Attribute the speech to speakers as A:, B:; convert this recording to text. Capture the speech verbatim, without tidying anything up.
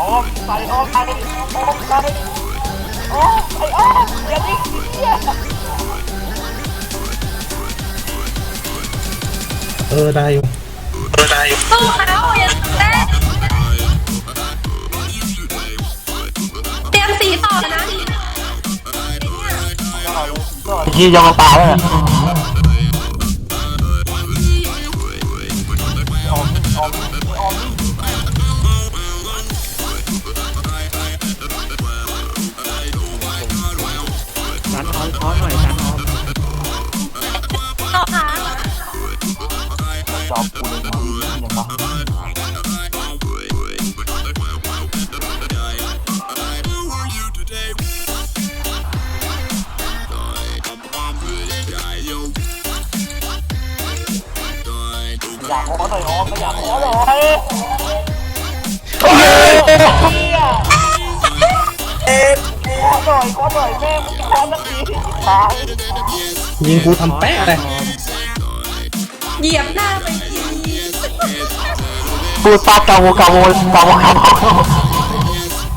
A: อ้อมใส่อ้อมใส่อ้อมใส่โอ้ไอ้อ้อมอย่าดิ้งเหี้ย
B: เออได้อยู่เออได้อยู่
C: สู้เขาอย่าเต้นเตรียมสีต่อนะ
A: ที่จะมาตายแล้ว
D: จันออมคอหน่อยจันออม
C: ต่อค่ะ
A: จอบกูเลยดีอย่างบ้าอยากขอหน่อยอ๋อไม่อยากขอหน่อยโอ้ยเอ๊ะขอหน่อยขอหน่อยแม่มึงขอสักทีตาย
B: ยิงกูทำแป๊ะเลย
C: เหยียบหน้าไปที
A: พูดปากกาโวกาโวกาโวกาโว